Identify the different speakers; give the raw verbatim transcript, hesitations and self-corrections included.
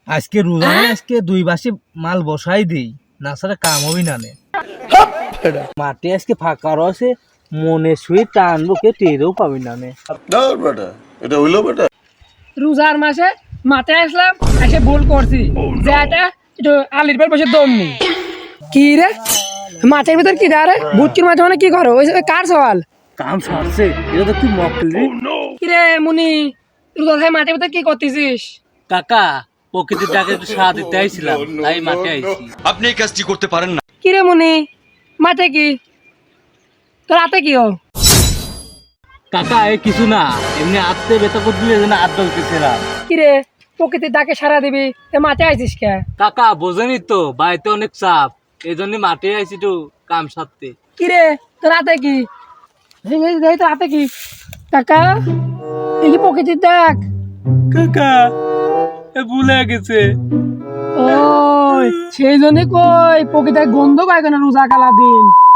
Speaker 1: আজকে রোজা না, আজকে দুই বাসে মাল বসাই দেই, না ছাড়া কাম হবি না নে। মাটি আজকে ফাঁকা রয়েছে, মনে শুয়ে টানবো, কে টেরও পাবি না নে।
Speaker 2: এটা হইলো বেটা।
Speaker 3: রোজার মাসে মাথায় আসলাম, এসে ভুল করছি যে এটা একটু আলির পর বসে দম নি। কি রে মাঠের ভিতর কি রে? বুটকির মাঠে মানে কি করো? ওই কার সওয়াল?
Speaker 1: কাম সারছে, এটা তো তুই মক্কেল রে।
Speaker 3: কি রে মুনি, রোজা খাই মাঠের ভিতর কি করতেছিস?
Speaker 1: কাকা, প্রকৃতির ডাকে একটু সাড়া দিতে আইছিলাম, তাই মাঠে আইছি।
Speaker 4: আপনি এই কাজটি করতে পারেন না।
Speaker 3: কি রে মুনি, মাঠে কি তোর হাতে কি ও?
Speaker 1: কাকা এ কিছু না, এমনি আত্মে বেতা করে দিলে যেন আত্ম উঠেছিলাম।
Speaker 3: কি রে প্রকৃতির ডাকে সারা দিবি, মাঠে আইছিস কে?
Speaker 1: কাকা বোঝেনি তো, বাড়িতে অনেক চাপ, এই জন্য মাঠে আইছি একটু কাম সারতে।
Speaker 3: কি রে তোর হাতে কি? এই এই দেখ তোর হাতে কি? কাকা এই কি প্রকৃতির ডাক?
Speaker 1: কাকা এ ভুলে গেছে।
Speaker 3: ওই সেই জন্য কই প্রকৃতির গন্ধ পায় কেন রোজা কালা দিন?